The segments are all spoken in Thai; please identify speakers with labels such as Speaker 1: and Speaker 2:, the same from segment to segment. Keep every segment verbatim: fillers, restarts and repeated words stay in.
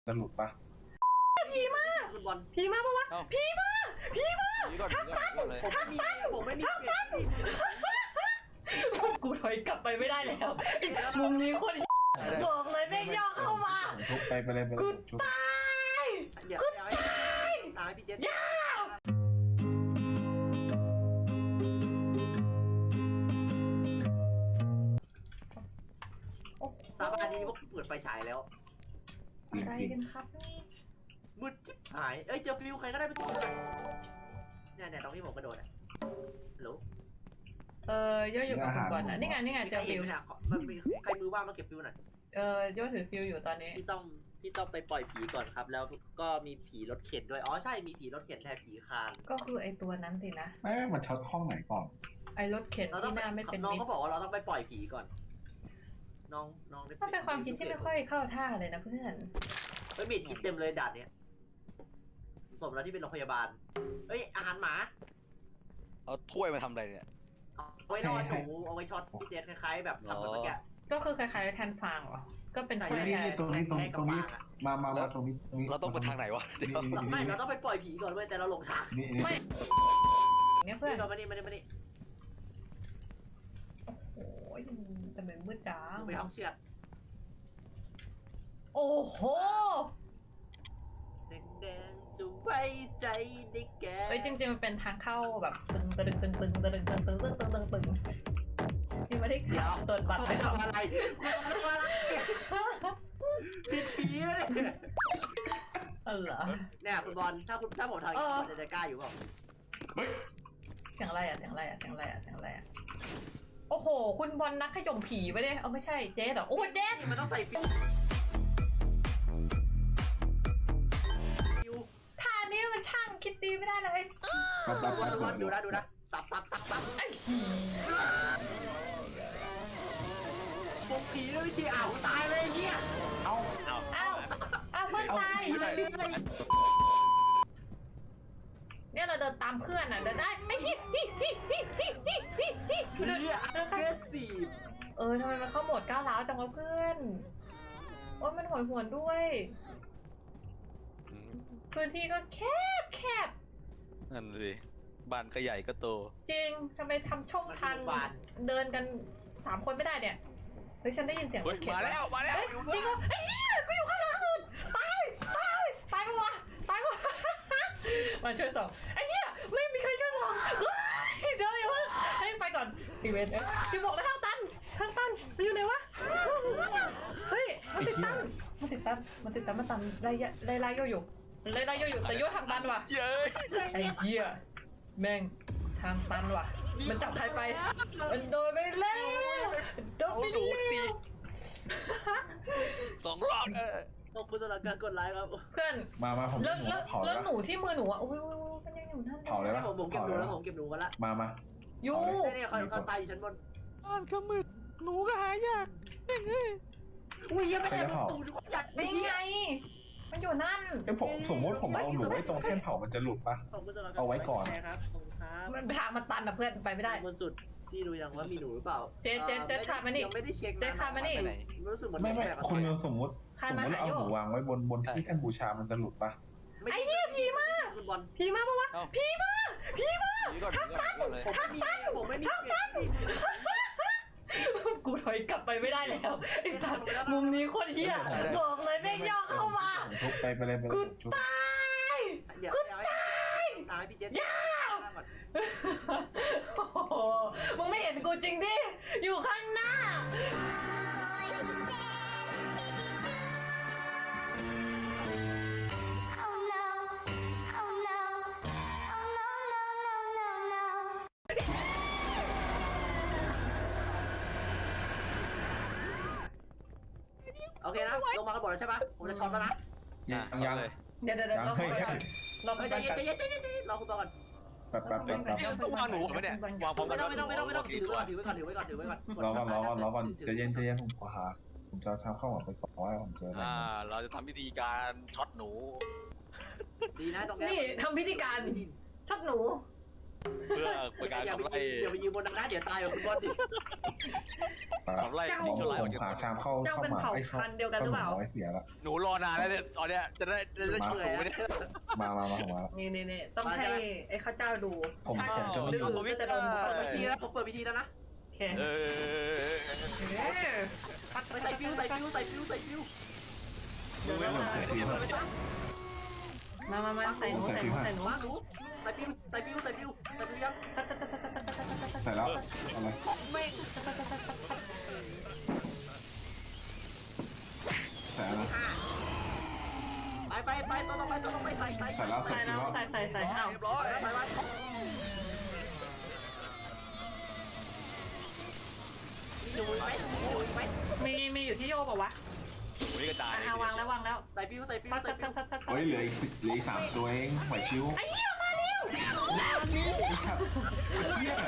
Speaker 1: จะหลุดปะ
Speaker 2: ผีมาคุณบอลผีมาปะวะผีมาผีมาทักตันทักตันผมไม่มีทักตันกูถอยกลับไปไม่ได้แล้วมุมนี้คนบอกเลยแม่งย่อเข้ามา
Speaker 1: ทุบไปไปเลยไปเลย
Speaker 2: กูตายกูตายตายพี่เจษย่าสาบานดีว่าเปิดไฟฉายแล้ว
Speaker 3: อะไรกันครับนี่
Speaker 2: มืดจิ๊บหายเอ้ยเจอฟิวใครก็ได้ไปตัวนึงเนี่ยเนี่ยตรงที่ผมกระโดดอ่ะฮัลโหล
Speaker 3: เออโยอยู่กับคุณก่อนนะนี่ไงนี่ไงเจอฟิว
Speaker 2: มันมีใครมือว่างมาเก็บฟิวหน่อย
Speaker 3: เออโยถือฟิวอยู่ตอนนี้
Speaker 2: พี่ต้องพี่ต้องไปปล่อยผีก่อนครับแล้วก็มีผีรถเข็นด้วยอ๋อใช่มีผีรถเข็นแทนผีคาน
Speaker 3: ก็คือไอตัวนั้นสินะ
Speaker 1: ไม่มันช็อตห้องไหนก่อน
Speaker 3: ไอรถเข็นที่หน้าไม่เป็น
Speaker 2: น้องเขาบอกว่าเราต้องไปปล่อยผีก่อนน้องน้อง
Speaker 3: มันเป็นความคิดที่ไม่ค่อยเข้าท่าเลยนะเพื่อน
Speaker 2: เฮ้ยมีทิปเต็มเลยด่านเนี้ยสมแล้วที่เป็นโรงพยาบาลเฮ้ยอาหารหมา
Speaker 4: เอาถ้วยมาทำอะไรเนี่ย
Speaker 2: เอาไว้นอนหนูเอาไว้ช็อตพี่เจษคล้ายๆแบบทำแบบเมื่อกี้
Speaker 3: ก็คือคล้ายๆแทนฟางเหรอก็เป็น
Speaker 1: ถ้วยนี่ตรงนี้ตรงตรงนี้มามามาตรงนี้ตรงนี้
Speaker 4: เราต้องไปทางไหนวะ
Speaker 2: ไม่เราต้องไปปล่อยผีก่อนเว้ยแต่เราหลงทาง
Speaker 3: ไม่เนี่ยเพื่อน
Speaker 2: เรามานี่มานี่มานี่
Speaker 3: โอ้ยแต่เหมือนมืดจ้า
Speaker 2: ไปห้องเชือด
Speaker 3: โอ้โห
Speaker 2: แดงๆจะไว้ใจได้แก่
Speaker 3: เฮ้ยจริงๆมันเป็นทางเข้าแบบตึงตึงตึงตึงตึงตึงตึงตึงตึงตึงตึงตึงที่ไม่ได้ขับตัวบัตรไป
Speaker 2: ทำอะไรคุณทำอะไรผิดผีเลย
Speaker 3: อ๋อเหรอ
Speaker 2: เนี่ยคุณบอลถ้าคุณถ้าผมทำอย่างนี้จะกล้าอยู่เปล่า
Speaker 3: เสียงอะไรอ่ะเสียงอะไรอ่ะเสียงอะไรอ่ะเสียงอะไรอ่ะโอ้โหคุณบอลนักขย่มผีไปเลยเอาไม่ใช่เจ๊หรอโอ้เจ๊
Speaker 2: มันต้องใส่ฟิว
Speaker 3: ท่านี้มันช่างคิดดีไม่ได้เลย
Speaker 2: ดูนะดูนะดูนะสับสับสับสับปลุกผีด้วยวิธีอ้าวตายเลยเนี่ย
Speaker 1: เอา
Speaker 4: เอา
Speaker 3: เอาเอาเพื่อนตายเนี่ยเราเดินตามเพื่อนอ่ะเดินได้ไม่พี่พี่พี่พี่พี่พี่พี่พี่
Speaker 2: เดินเดินแค่สี่
Speaker 3: เออทำไมมันเข้าโหมดก้าวร้าวจังวะเพื่อนโอ้ยมันหอยหวนด้วยพื้นที่ก็แคบแคบ
Speaker 4: นั่นสิบ้านก็ใหญ่ก็โต
Speaker 3: จริงทำไมทำช่องทางเดินกันสามคนไม่ได้เนี่ยเฮ้ยฉันได้ยินเสียง
Speaker 4: รถเข็นมาแล้วมาแล้ว
Speaker 3: จริงเหรอไอ้เหี้ยกูอยู่ข้างหลังสุดตายตายตายปะวะตายปะมาช่วยส่องไอ้เหี้ยไม่มีใครช่วยส่องเดี๋ยวอย่าเพิ่งให้ไปก่อนอีเวนต์จะบอกแล้วทางตันทางตันมันอยู่ไหนวะเฮ้ยมันติดตันมันติดตันมันติดตันมันตันไล่ไล่ไล่โยอยู่ไล่ไล่โยอยู่แต่โยทางตันว่ะไอ้เหี้ยแม่งทางตันว่ะมันจับใครไปมันโดนไปแล้วโดนไปแล้ว
Speaker 4: สองรอบเออ
Speaker 2: ขอบคุณสำหรับการกดไลค์ครับ
Speaker 3: เพื่อน
Speaker 1: มามาผม
Speaker 3: แล้วแล้วหนูที่มือหนูอ่ะโอ้ยมันยังอยู่นั่น
Speaker 1: เผาเลย
Speaker 2: ผมผมเก็บหนูแล้วผมเก็บหนูกันละ
Speaker 1: มามา
Speaker 3: ยู
Speaker 2: เนี่ยเขาเขาตายอยู่ชั้นบน
Speaker 4: อ่านขมืดหนูก็หายากเฮ้ย
Speaker 2: อุ้ยยังไม่ได้ตูนเขาอยาก
Speaker 3: นี่ไงมันอยู่นั่น
Speaker 1: ไอ้ผมสมมติผมเอาหนูไว้ตรงแท่นเผามันจะหลุดปะเอาไว้ก่อน
Speaker 2: ครับผมครับ
Speaker 3: มันทางมันตันอ่ะเพื่อนไปไม่ได้
Speaker 2: บนสุดพี่ดูยังว่ามีหนูหรือเปล่า
Speaker 3: เจ๊เจ๊เจ๊ขาดมานี่
Speaker 2: ยังไม่ได้เช็ค
Speaker 3: เจ๊ขาดมานี่
Speaker 2: รู้สึกเหมือน
Speaker 1: ไม่ไม่คุณสมมติสมมติเอาหนูวางไว้บนบนที่ท่านบูชามันจะหลุดปะ
Speaker 3: ไอ้เหี้ยผีมาผีมาปะวะผีมาผีมาทักตันทักตัน
Speaker 2: ผมไม่มีทัก
Speaker 3: ตันกูถอยกลับไปไม่ได้แล้วไอ้สัตว์มุมนี้คนเหี้ยบอกเลยแม่งย่อเข้ามา
Speaker 1: ทุบไปไปเลยไปเลย
Speaker 3: กูตายกูตาย
Speaker 2: ตายพี่เจษ
Speaker 3: ย่ามึงไม่เห็นกูจริงดิอยู่ข้างหน้า
Speaker 2: โอเคนะลงมากันหมดแล้วใช่ปะผมจะช็อตแล้วนะ
Speaker 1: ยังยังเลย
Speaker 3: เดี๋ยวเดี๋ยวเดี๋ยวเราไปก่อนเราไปก่อน
Speaker 2: ใจเย็นใจเย็นใจเย็นรอคุณก่อน
Speaker 1: แป๊บแป๊บแป๊บแป๊บ
Speaker 4: ต้องวางหนูไหมเนี่ยวางพร้อมกัน
Speaker 2: ไม่ต้องไม่ต้องไม่ต้องไม่ต้องถือไว้ก่อนถือไว้ก่อนถือไว้ก่อนถือไว้ก่อน
Speaker 1: รอก่อนรอก่อนรอก่อนใจเย็นใจเย็นผมขอหาผมจะทำข้าวหวานไปก่อนว่าผมเจอ
Speaker 4: อ่าเราจะทำพิธีการช็อตหนู
Speaker 2: ดีนะตรง
Speaker 3: นี้นี่ทำพิธีการช็อตหนู
Speaker 5: เพื่อเป็นการ
Speaker 2: อย่า
Speaker 5: ขับ
Speaker 2: ไป
Speaker 5: ไล่
Speaker 2: อย่าไปยิงบนนั้นนะเดี๋ยวตายแบบคุณบอลดิ
Speaker 5: ขับไล่
Speaker 3: เจ้า
Speaker 5: ทิ้งชั่วร้ายออก
Speaker 1: ผม
Speaker 5: จาก
Speaker 1: หาชามเข้า
Speaker 3: เจ้า
Speaker 1: เข้า
Speaker 3: เป็น
Speaker 1: มา
Speaker 3: เผ่า
Speaker 1: ไอ้เข้า
Speaker 3: พันธุ์เดียวกันหรือเปล่า
Speaker 1: ไว้เสียละ
Speaker 5: หนูรอนานแล้วเนี่ยตอนเนี้ยจะได้จะได้ช่วยหนูไม่ได้
Speaker 1: มามามาผมมา
Speaker 3: นี่นี่นี่ต้องให้ไอ้ข้าเจ้าดู
Speaker 1: ผม
Speaker 3: ถ้า
Speaker 1: ผมจะไม่
Speaker 3: ดื้อ
Speaker 5: ผมไม่
Speaker 3: ก็จะโดน
Speaker 5: ได้
Speaker 3: เปิด
Speaker 2: เปิดวิธีแล้วผมเปิดวิธีแล้วนะ
Speaker 3: โอเค
Speaker 5: เออ
Speaker 3: ปัด
Speaker 2: ใส่ฟิวใส่ฟิวใส่ฟิวใส่ฟิว
Speaker 1: ดูไม่เหมือนเสียทีม
Speaker 3: มามามาใส่หนูใส่หนูใส่หนู
Speaker 2: มาหนูใส่ฟิวใส่ฟิวใส่ฟิวใส่ฟิวยัง
Speaker 1: ใส่แล้วอะไร
Speaker 3: ไม่
Speaker 1: ใส่แล้ว
Speaker 2: ไปไปไปตัวต่อไปตัวต่อไปใส่ใส่
Speaker 1: ใส่แล้วใส่
Speaker 3: ใส่
Speaker 1: ที
Speaker 3: แล้ว
Speaker 1: แล้ว
Speaker 3: ใส่ใส่ใส่เอ้า
Speaker 5: เรียบร้อย
Speaker 2: ไปไปอยู่ไหมอยู่ไหม
Speaker 3: มีมีอยู่ที่โยกป่าวะ
Speaker 5: หนูนี่กระจาย
Speaker 3: อ่ะวางแล้ววางแล้ว
Speaker 2: ใส่ฟิวใส่ฟิว
Speaker 3: ชัด
Speaker 2: ใส่
Speaker 3: ชัด
Speaker 2: ฟิ
Speaker 3: ชั
Speaker 2: ว
Speaker 3: ดชัดชัด
Speaker 1: เฮ้ยเหลืออีกเหลืออีกสามตัวเองไหวชิว
Speaker 3: ไอ้เหี้ยมาเร็ว
Speaker 1: เฮีย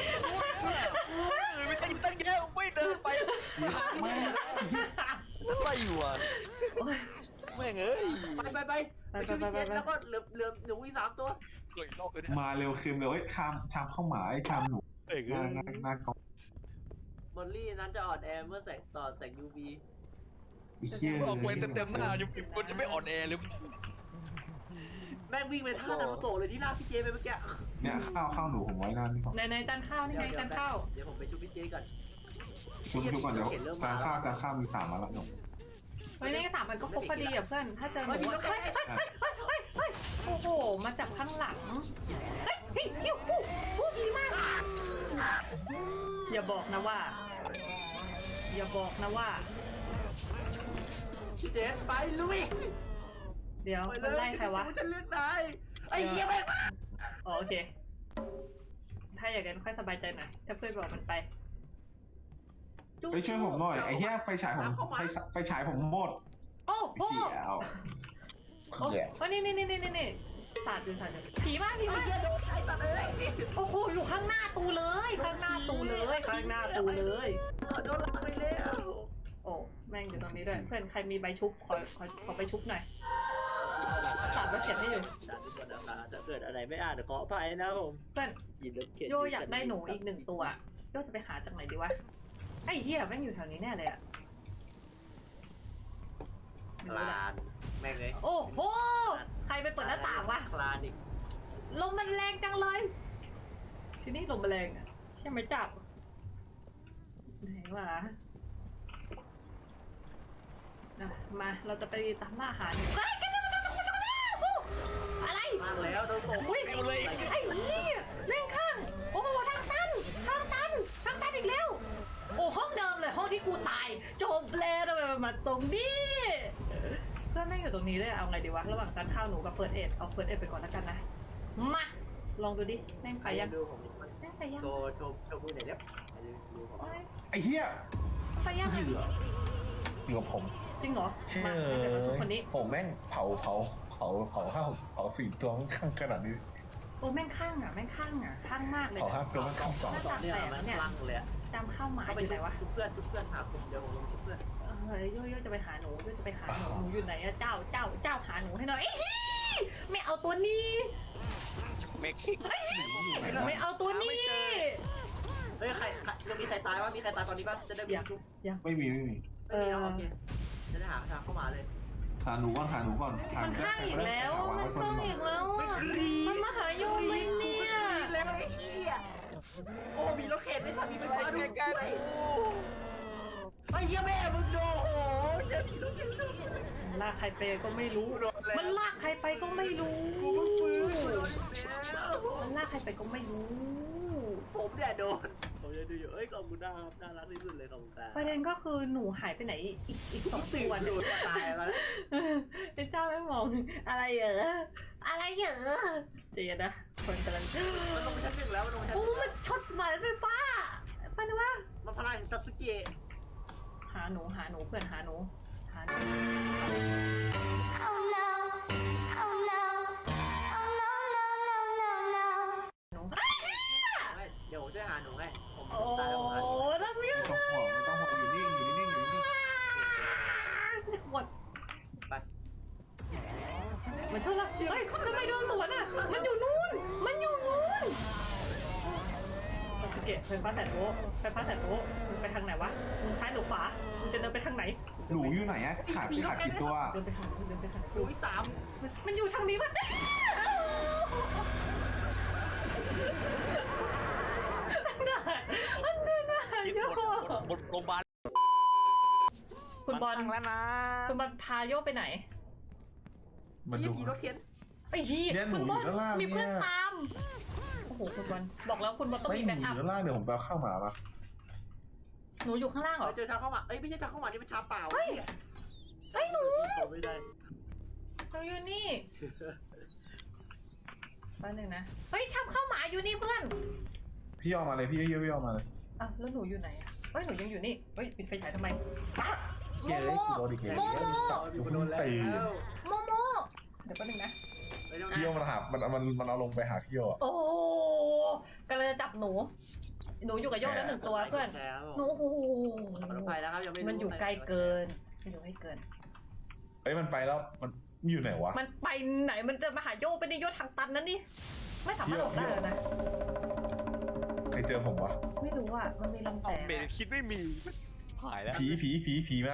Speaker 5: ไม่ตั้งตั้งแย่ไม่เดินไป
Speaker 1: แม่ง
Speaker 5: อะไรอยู่อ่ะแม่งเอ้ย
Speaker 2: ไปไปไปไปช่วยพี่เจนแล้วก็เหลือเหลือหนูอีกสามตัว
Speaker 5: เกิดนอกเลย
Speaker 1: มาเร็วคืนเร็วเอ้ยชามชามเข้าหมาไอ้ชามหนู
Speaker 5: เอ้ย
Speaker 1: หน้าหน้าหน้ากอง
Speaker 2: มอลลี่นั้นจะอ่อนแอเมื่อแสงต่อแสง ยู วี
Speaker 1: ไอ้เฮีย
Speaker 5: บอกไว้เต็มๆหน้ายังมันจะไม่อ่อนแอหรือ
Speaker 2: แม่งวิ่งไปท่านารูโตะเลยที่ลากพี่เจไปเมื่อกี้
Speaker 1: เนี่ยข้าวข้าวหนูผมไว้นานนี่ก่อน
Speaker 3: ในในจานข้าวนี่ไงจานข้าว
Speaker 2: เดี๋ยวผมไปช่วยพี่เจก่อน
Speaker 1: ชุบชุบก่อนเดี๋ยวจานข้าวจานข้าวมีสามมาแล้วหนู
Speaker 3: เฮ้ยนี่สามมันก็ครบพอดีอ่ะเพื่อนถ้าเจอหนูเฮ้ยเฮ้ยเฮ้ยเฮ้ยเฮ้ยเฮ้ยโอ้โหมาจับข้างหลังเฮ้ยเฮ้ยฮิวฮู้ฮู้ดีมากอย่าบอกนะว่า อย่าบอกนะว่า
Speaker 2: พี่เจไปลุย
Speaker 3: เดี๋ยว
Speaker 2: ไป
Speaker 3: มัน
Speaker 2: เลย
Speaker 3: ไล่ใครวะ
Speaker 2: ฉันเลือกนายไอ้เหี้ยแม่ง
Speaker 3: อ๋อโอเค ถ้าอย่างนั้นค่อยสบายใจหน่อยถ้าเพื่อนบอกมันไป
Speaker 1: เฮ้ยช่วยผมหน่อยไอ้เฮียไฟฉายผมไฟไฟฉายผมหมด
Speaker 3: โอ้โห
Speaker 1: เหี้ยเอา
Speaker 3: โอ้
Speaker 1: เหี้ย
Speaker 3: โอ้นี่นี่นี่นี่นี่สาดดูสาดดูผีมากผี
Speaker 2: ไอ้
Speaker 3: มาก
Speaker 2: เหี้ยโดนไอ้สัตว์เลย
Speaker 3: โอ้โหอยู่ข้างหน้าตูเลย ข้างหน้าตูเลยข้างหน้าตูเลย
Speaker 2: โดนลากไปแล้ว
Speaker 3: โอ้แม่งอยู่ตรงนี้ด้วยเพื่อนใครมีใบชุบขอขอขอใบชุบหน่อยสาดมาเขียนให้อยู่
Speaker 2: ถ้าเกิดอะไรไม่อ่านขออภัยนะผม
Speaker 3: เพื่อน
Speaker 2: ยินดีเขียน
Speaker 3: โยอยากได้หนูอีกหนึ่งตัวโยจะไปหาจากไหนดีวะไอ้เหี้ยแม่งอยู่แถวนี้แน่เลยอะ
Speaker 2: คลานแม่งเลย
Speaker 3: โอ้โหใครไปเปิดหน้าต่างวะ
Speaker 2: คลานอีก
Speaker 3: ลมมันแรงจังเลย ที่นี่ลมมันแรงอะใช่ไหมจับไหนวะอ่ะมาเราจะไปตามล่าหาหนูเฮ้ยกันกันกันกันกันอะไร
Speaker 2: มากแล้วโดนตก
Speaker 3: อุ้ยไอ้เหี้ยแม่งข้างโอ้โหทางตันทางตันทางตันอีกแล้วโอ้ห้องเดิมเลยห้องที่กูตายจบแล้วทำไมมันมาตรงนี้เพื่อนแม่งอยู่ตรงนี้เลยเอาไงดีวะระหว่างการข้าวหนูกับเฟิร์สเอ็ดเอาเฟิร์สเอ็ดไปก่อนแล้วกันนะมาลองดูดิแม่งไปยัง
Speaker 2: ดูผม
Speaker 3: แม่งไปยัง
Speaker 2: โชว์โชว์โชว์มือหน่อยเร็วดูผม
Speaker 3: โอ๊ย
Speaker 1: ไอ้เฮีย
Speaker 3: ไปยัง
Speaker 1: เหลืออยู่กับผม
Speaker 3: จริงเหรอ
Speaker 1: เชื่อ
Speaker 3: มาเดี๋ยวมาชุบคนนี้
Speaker 1: ผมแม่งเผาเผาเผาเผาห้าเผาสี่ตัวข้างขนาดนี้
Speaker 3: โอ้แม่งข้างอ่ะแม่งข้างอ่ะข้างมากเลย
Speaker 1: เผาห้าตัวข้างสอง
Speaker 3: หน้าต่าง
Speaker 2: เนี่ย
Speaker 3: แตก
Speaker 2: มัน
Speaker 3: เนี่ย
Speaker 2: ลังเลย
Speaker 3: จำข้าวหมา
Speaker 2: เขา
Speaker 3: อ
Speaker 2: ไป
Speaker 3: ยู่ไหนวะ
Speaker 2: ชุบเพื่อนชุบเพื่อนหาผมเดี๋ยวผมลงชุบเพื่อน
Speaker 3: เฮ้ยโยโย่จะไปหาหนูโยจะไปหาหนูหนูอยู่ไหนอะเจ้าเจ้าเจ้าหาหนูให้หน่อยเอ้ยไม่เอาตัวนี้
Speaker 5: เมกคิก
Speaker 3: ไม่เอาตัวนี้
Speaker 2: เฮ้ยใครยังมีใครตายวะมีใครตายตอนนี้ป่ะจะได้ชุบ
Speaker 1: ไม่มีไม่มี
Speaker 2: ไม่มีแล้วโอเคจะได้หาทางเข้ามาเลย
Speaker 1: หาหนูก่อนหาหนูก่อนหา
Speaker 3: มัน
Speaker 1: ได้
Speaker 3: ข้างอีกแล้ว
Speaker 1: หา
Speaker 3: มัน
Speaker 1: ไว้
Speaker 3: ข้าง
Speaker 1: ก่
Speaker 3: อีกแล้วอะมันมาหาโยไหมเนี่ย
Speaker 2: แล้วไอ้เหี้ยโอ้มีรถเข็นไม่ทันมีไฟฟ้าด้วยไอ้เหี้ยแม่มึงโดโหเดี๋ยวมีรถเข็นด้วย
Speaker 3: ลากใครไปก็ไม่รู้ มันลากใครไปก็ไม่รู้
Speaker 2: กูเพิ่งฟื้นกูโดนแล้ว
Speaker 3: มันลากใครไปก็ไม่รู้
Speaker 2: ผมเนี่ยโดนผมจะดูอยู่เอ้ยขอบคุณนะครับน่ารักที่สุดเลยขอบคุณครับ
Speaker 3: ประเด็นก็คือหนูหายไปไหนอีกอีกสอง
Speaker 2: ตื่น
Speaker 3: ตัว
Speaker 2: ดู
Speaker 3: เนี่ย
Speaker 2: ตายแล้ว
Speaker 3: ไอ้เจ้าไม่มองอะไรเหรออะไรเหรอเจนะคนกำลัง
Speaker 2: มันลงไปชั้นหนึ่งแล้วมันลงชั้น
Speaker 3: โอ้มันช็อตหมายไฟฟ้าไปนะวะ
Speaker 2: มันพลังซัตสึเกะ
Speaker 3: หาหนูหาหนูเพื่อนหาหนูหาหนู
Speaker 6: Oh no. Oh no. Oh no, no, no, no, no.
Speaker 3: หนู
Speaker 2: เดี๋ยวผมช่วยหาหนูให้ผม
Speaker 3: โอ้
Speaker 2: ตายแล้วผมหาหนู
Speaker 3: รับไม่
Speaker 1: ไม่
Speaker 3: ได้
Speaker 1: ต้องห่วงไม่ต้องห่วงอยู่นิ่งอยู่นิ่งอยู่นิ่ง
Speaker 3: หมด
Speaker 2: ไป
Speaker 3: มันชนละเฮ้ยทำไมโดนสวนอ่ะมันอยู่นู่นมันอยู่นู่นซาสึเกะไฟฟ้าแสนโวลต์ไฟฟ้าแสนโวลต์มึงไปทางไหนวะมึงซ้ายหรือขวามึงจะเดินไปทางไหน
Speaker 1: หนูอยู่ไหนอะขาดขาดกี่ตัว
Speaker 3: เดินไปทางนู้นเดินไปทาง
Speaker 2: หนู
Speaker 3: นู้น
Speaker 2: อีสาม
Speaker 3: มันมันอยู่ทางนี้ปะมันเดินมาหา
Speaker 5: คิด
Speaker 3: โย
Speaker 5: บนบนโรงพยาบาล
Speaker 3: คุณบอล
Speaker 5: ตั้งแล้วนะ
Speaker 3: คุณบอลพาโยไปไหน
Speaker 1: มัน
Speaker 2: ยี่
Speaker 1: ดู
Speaker 2: ผีรถเข็น
Speaker 3: ไอ้ยี่
Speaker 1: เนี่ยหนู
Speaker 3: คุณบอล
Speaker 1: อยู่ข้างล่าง
Speaker 3: มีเพื่อน
Speaker 1: เนี่ย
Speaker 3: ตามโอ้โหคุณบอลบอกแล้วคุณบอลต้อง
Speaker 1: ไม่
Speaker 3: มี
Speaker 1: ห
Speaker 3: แบ็
Speaker 1: นู
Speaker 3: คอัพ
Speaker 1: อยู่ด้านล่างเดี๋ยวผมไปเอาข้าวหมามา
Speaker 3: หนูอยู่ข้างล่างเหรอ
Speaker 2: เจอชาเข้ามาเอ้ยไม่ใช่ชาเข้ามานี่เป็นชาเปล่า
Speaker 3: เฮ้ยเฮ้ยหนู
Speaker 2: ไม่ได้
Speaker 3: หนูอยู่นี่แป๊บนึงนะเฮ้ยชับเข้าหมาอยู่นี่เพื่อน
Speaker 1: พี่ยอมมาเลยพี่เยอะพี่ยอมมาเลย
Speaker 3: อ่ะแล้วหนูอยู่ไหนอะเฮ้ยหนูยังอยู่นี่เฮ้ยปิดไฟฉายทำไม
Speaker 1: เชี่ยเลยกูโดนอีกแล้ว
Speaker 3: โมโม
Speaker 1: จับอยู่พุ่งตี
Speaker 3: โมโมเดี๋ยวแป๊บนึงนะ
Speaker 1: พี่โยมันหามันมันมันเอาลงไปหาพี่โยอะ
Speaker 3: โอ้กำลังจะจับหนู หนูอยู่กับโยกแล้วหนึ่งตัวเพื่อนหนูโอ้โห
Speaker 2: ปลอดภัยแล้วครับยังไม่
Speaker 3: มันอยู่ไกลเกินมันอยู่ไม่เกิน
Speaker 1: เอ้ยมันไปแล้วมันอยู่ไหนวะ
Speaker 3: มันไปไหนมันจะมาหาโยไปในโยทางตันนั่นนี่ไม่สามารถหลบได้แล้วนะ
Speaker 1: ใครเจอผมวะ
Speaker 3: ไม่รู้อ่ะมันมีลำแสง
Speaker 5: เบนคิดไม่มีหายแล้ว
Speaker 1: ผีผีผีผีมาก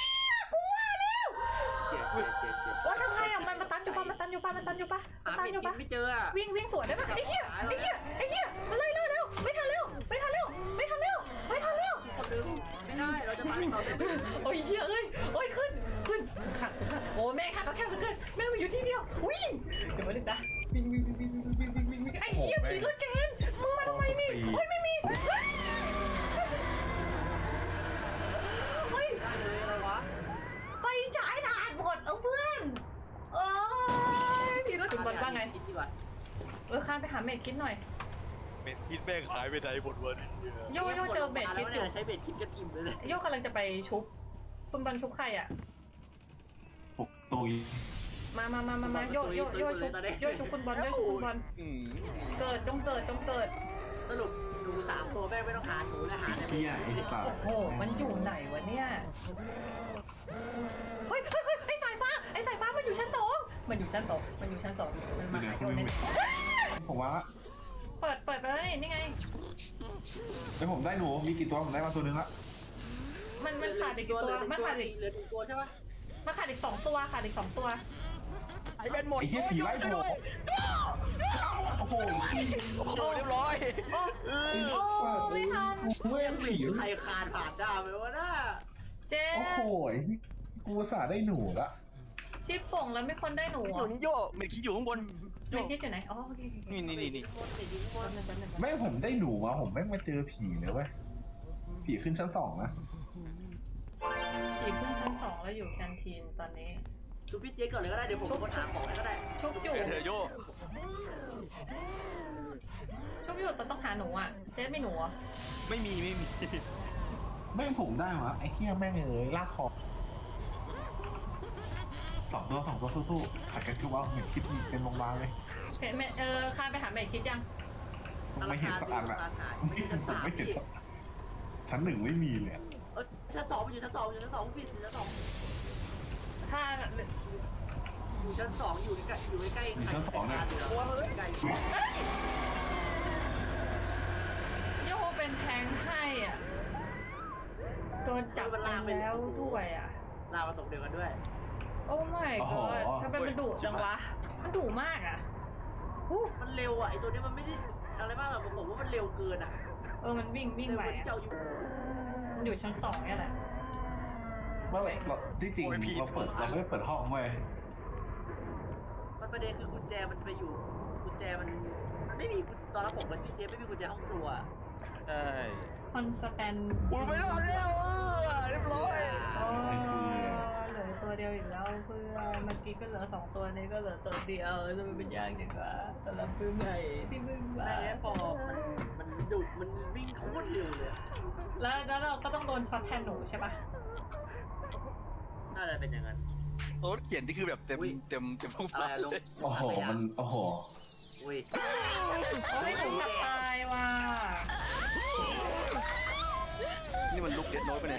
Speaker 2: เฉียดเฉียดเฉียดเฉียด
Speaker 3: ว่าทำไงอ่ะมันมาตันอยู่ปะมันตันอยู่ปะมันตันอยู่ปะมัน
Speaker 2: หา
Speaker 3: ตัน
Speaker 2: ไม่
Speaker 3: อยู่
Speaker 2: คิด
Speaker 3: ปะ
Speaker 2: ไม่เจออ่ะ
Speaker 3: วิ่งวิ่งสวนได้ปะไอ้เหี้ยไอ้เหี้ยไอ้เหี้ยมาเลยเลยเร็วไม่ทันเร็วไม่ทันเร็วไม่ทันเร็วไม่ทันเร็ว
Speaker 2: คนนึงไม่ได้เราจะตายต่อได้ไม่
Speaker 3: โอ้ยเหี้ยเอ้ยโอ้ยขึ้นขึ้นขัดขัดโอ้แม่ขัดต้องแค่มันขึ้นแม่มันอยู่ที่เดียววิ่งเดี๋ยวมาดึงนะวิ่งวิ่งวิ่งวิ่งวิ่งวิ่งวิ่งวิ่งไอ้เหี้ยผีรถเกณฑ์มึงมาทำไมนี่โอ้ยไม่มีเฮ้ย
Speaker 2: ได้เลยอะไรวะ
Speaker 3: ไปจ่ายด่านหมดเอาเพื่อนเอ้ยผีรถคุณบอลว่าไง
Speaker 2: คิดดีกว่า
Speaker 3: เออข้ามไปหาเมดคิดหน่อย
Speaker 5: เบนคิดแม่งหายไปไหนหมดวัน
Speaker 3: โยโยเจอเมดคิดอยู่
Speaker 2: ใช้เบ็ดคิดกันอิ่มเลย
Speaker 3: โยกำลังจะไปชุบคุณบอลชุบใครอ่ะ
Speaker 1: ปลุกตุย
Speaker 3: มามามามามาโยโยโยชุบโยชุบคุณบอลโยชุบคุณบอล
Speaker 5: อืม
Speaker 3: เกิดจงเกิดจงเกิด
Speaker 2: สรุปหนูสามตัวแม่ไม่ต้องหาหนูแล้วหา
Speaker 1: ไอ้เหี้ยไอ้สัต
Speaker 3: โอ้
Speaker 1: ว์
Speaker 3: โหมันอยู่ไหนวะเนี่ยเฮ้ยเฮ้ยเฮ้ยไอ้สายฟ้าไอ้สายฟ้ามันอยู่ชั้นสองมันอยู่ชั้นสองมันอยู่ชั้นสองมันมาหาโยนเนี่ย
Speaker 1: ผมว่า
Speaker 3: เปิดเปิดไปเลยนี่ไง
Speaker 1: ไอ้ผมได้หนูมีกี่ตัวผมได้มาตัวนึงละ
Speaker 3: มันมันขาดอีกตัวมันขาดอีก
Speaker 2: เหลือหนึ่งตัวใช่ปะ
Speaker 3: มันขาดอีกสองตัวขาดอีกสองตัว
Speaker 5: ไอ้เบนหมด
Speaker 1: ไอ้เหี้ยผีไล่ผมโอ้โห
Speaker 5: โอ้โหเรียบร้อย
Speaker 3: โอ้โอ้ไม่ทัน
Speaker 1: กูไม่ผี
Speaker 2: ใครคานผ่านได้ไหมวะน่า
Speaker 3: เจ๊
Speaker 1: โอ้โหกูสาได้หนูละ
Speaker 3: ชิปโป่งแล้วมีคนได้หนู
Speaker 5: หนุนโยเบนคิดอยู่ข้างบนโย
Speaker 3: ไม่คิดอยู่ไหนอ๋อโอเค
Speaker 5: นี่นี่นี่นี่
Speaker 1: แม่ผมได้หนูมาผมแม่งมาเจอผีเลยเว้ยผีขึ้นชั้นสองนะ
Speaker 3: ผีขึ้นชั้นสองแล้วอยู่แคนทีนตอนนี้
Speaker 2: ดูพี่เจ๊ก่อนเลยก็ได้เดี๋ยวผมคนหาของให้ก็ได้
Speaker 3: ชุบอยู่
Speaker 5: เธอโย
Speaker 3: ชุบอยู่แต่ต้องหาหนูอ่ะเจ๊มีหนูอ่ะ
Speaker 5: ไม่มีไม่มี
Speaker 1: แม่งผมได้มาไอ้เหี้ยแม่งเอ้ยลากคอสองตัวสองตัวสู้ๆขัดกันชุบเอาเหมือนคิดเป็นโรงพยาบาลเลย
Speaker 3: เห็นไหมเออคานไปหาเมดคิดยัง
Speaker 1: ไม่เห็นสักอันอะ
Speaker 2: ไม่ชั้นสาม
Speaker 1: ไม่เห็น
Speaker 2: พี่
Speaker 1: สักชั้นหนึ่งไม่มีเลย
Speaker 2: เออชั้นสองมันอยู่ชั้นสองอยู่ชั้นสองพี่อยู่ชั้นสอง
Speaker 3: ถ้า
Speaker 2: อยู่ชั้นสองอยู่ใกล้อยู่ใกล้
Speaker 1: อยู่ชั้นสองเนี่ย
Speaker 2: ใกล้
Speaker 3: โยเป็นแทงให้อ่ะโดนจับไปแล้วด้วยอ่ะ
Speaker 2: ลาวมาตกเดียวกันด้วย
Speaker 3: โอ้ไม่ก็ทำไมมันดุจังวะมันดุมากอ่ะ
Speaker 2: มันเร็วอ่ะไอตัวนี้มันไม่ได้อะไรบ้างหรอกผมว่ามันเร็วเกินอ่ะ
Speaker 3: เออมันวิ่งวิ่ง
Speaker 2: เร็ว
Speaker 3: ไป
Speaker 2: กว่าที่
Speaker 3: อ่ะ
Speaker 2: เจ้าอยู่
Speaker 3: มันอยู่ชั้นสองเนี่ยแหละ
Speaker 1: เมื่อไหร่เราที่จริงเราเปิดเราไม่ได้เปิดห้องเว้ย
Speaker 2: มันประเด็นคือกุญแจมันไปอยู่กุญแจมันมันไม่มีตอนรับผมกับพี่เจ๊ไม่มีกุญแจห้องครัว
Speaker 5: ใช่
Speaker 3: คอนสแตน
Speaker 5: อุ้ยไม่รอดแล้วเรียบร้อย
Speaker 3: โอ้เหลือตัวเดียวอีกแล้วเพื่อนเมื่อกี้ก็เหลือสองตัวนี้ก็เหลือตัวเดียวจะมันเป็นยากจังวะสำหรับเพื่อนใหม่ที่เพิ่งมา
Speaker 2: ได้แล้วพอมันมันดุมันวิ่งโคตรเร็วเลย
Speaker 3: แล้วแล้วเราก็ต้องโดนช็อตแทนหนูใช่ปะ
Speaker 2: น่าจะเป็นอย่างนั้น
Speaker 5: โอ้เขียนที่คือแบบเต็มเต็มเต็มท้อง
Speaker 2: อะไร
Speaker 5: ฟ้า
Speaker 2: อะลง
Speaker 5: เลย
Speaker 1: โอ้โหมันโอ้โห
Speaker 2: อุ้ย
Speaker 3: โอ้ยหนูกลับตายว่ะ
Speaker 5: นี่มันลุกเด็ดน้อยไปไหน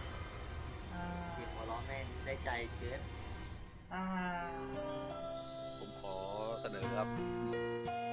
Speaker 3: อ่า
Speaker 2: เสียงหัวเราะแม่งได้ใจเกิน
Speaker 3: อ่า
Speaker 5: ผมขอเสนอครับ